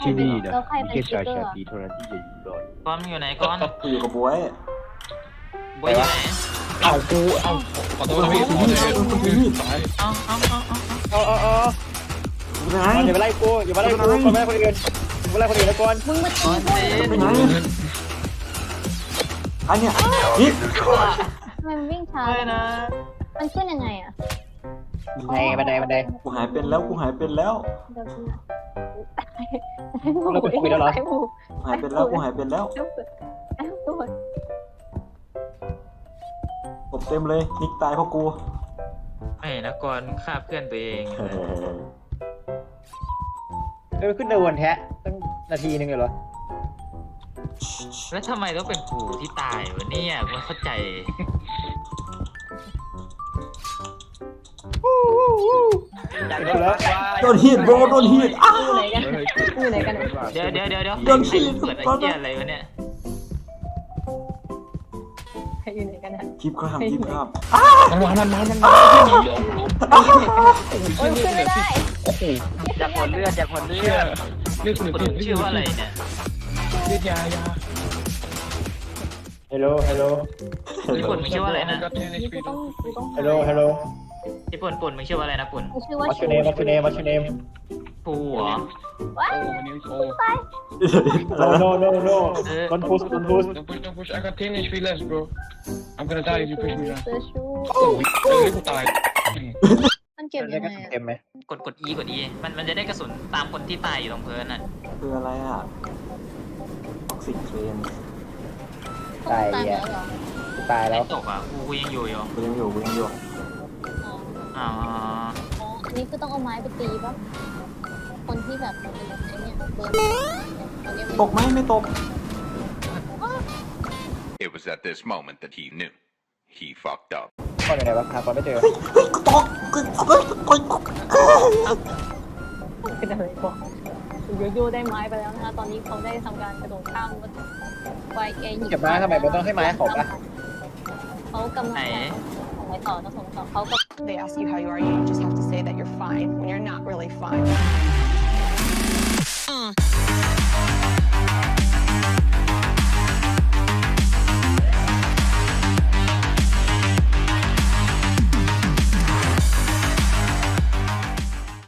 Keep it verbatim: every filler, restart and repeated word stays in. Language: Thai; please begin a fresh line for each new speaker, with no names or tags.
ที่นี่นะ
แล้วใคร
มี
เป็น
แค่
คิ
ชา
ปเปอร์
ชาตรีเท่านั้นที่จะอยู่รอด
ก้อนมึงอยู่ไหนก้อน
กูอยู่กับบวย
บอยอยู่ไหน
เอ้ากูเอ้าขอโทษนะพี่ขอโทษนะพี่ตาย
เอาเอาเอาเอา
เอาเอาเอา
กูไหน
อย่ามาไล่กูอย่ามาไล่กูคนไม่ไล่คนอื่นอย่ามาไล่คนอื่นแล้วก่อน
มึงมาตี
ก้อน
กู
เต้น
ไปไหนอันเนี้ยนี่
ทำไมมันวิ่งช้า
ไม่นะ
มันขึ้นยังไงอ่ะ
บันไดบันไดบันได
กูหายเป็นแล้วกูหายเป็นแล้ว
เดี๋ยวกู
เราเป็นคุยแล้วเหรอ
ไอ้หมู
หายเป็นแล้วกูหายเป็นแล้ว
ไอ้หมูไอ้หมู
ผมเต็มเลยนิกตายเพราะกู
ไม่นะก้อนฆ่าเพื่อนตัวเอง
เฮ้ย
เออขึ้นเดินแท้ตั้งนาทีนึงเลยเหรอ
แล้วทำไมต้องเป็นกูที่ตายวะเนี่ยไม่เข้าใจ
อยากโดนแล้ว
โดนฮีทโบรโดนฮีทอ้า
อยู่ไหนกันอยู่ไหนกันอะ
เดี๋ยวเดี๋ยวเดี๋ยวเดี๋ยว
โดนขี้
เปิดไอ้เหี้ยอะไรวะเนี่ย
ใครอยู่ไหนกันอะ
คลิปข้ามคลิปข้าม
มันมามันมามันมา
โอ้ยขึ้นไม่ได้
อยากผลเลือดอยากผลเลื
เชื่
อ
อ
ด
เรื่อง
ผลชื่อว่าอะไรเนี่ย
เลือดยายา
ฮัลโหลฮัลโหล
ญี่ปุ่นมึงชื่อว่าอะไรนะ
นี่กูต้องกูต้อง
ฮัลโหลฮัลโหล
ญี่ปุ่นปุ่นมึงชื่อว่าอะไรนะปุ่น
กูชื่อว่า
What's your name What's your name What's your name
ปูเหรอ
ว้า
โอ้วันนี้โอ้
No no no no Don't push Don't push
don't push don't push I got ten H P left bro I'm gonna die if you push me down
เสื้อชู
โอ้ยเออกูตาย
มันเก็บ
ได้
ยัง
ก็
ไง
เต็มไหม
กดกด E กด E มันมันจะได้กระสุนตามคนที่ตายอยู่ตรงพื้นน่ะ
คืออะไรอ่ะท็อกซิกเทรน
ตายแล้วเหรอ
ตายแล้
ไม่
ว
ตกอ่ะกูกูยังอยู่อยู่
กูยังอยู่กูยังอยู่
อ๋อ
อ๋อ
อ๋ออันนี้คือต้องเอาไม้ไปตีป่ะคนที่แบบเป็นไอ้เนี่ยเบิร์นคนนี้มัน
ตกไหมไม่ตก
It was at this moment that he knew. He fucked up.
ก่อนอยู่ไหนวะหาก่อนไม่เจอ
เฮ้ยเฮ้ยกูตกกูเฮ้ยกูตก
เป็นอะไรก่อนโยโย่ได้ไม้ไปแล้วนะคะตอนนี้เขาได้ทำการกระโดดข้ามไปเอหยิบ
เก็บไม้ทำไมมันต้องให้ไม้เขาปะ
เขากำลังส่งไปต่อต้องส่งต่อเขาก็
They ask you how you are, you just have to say that you're fine when you're not really fine.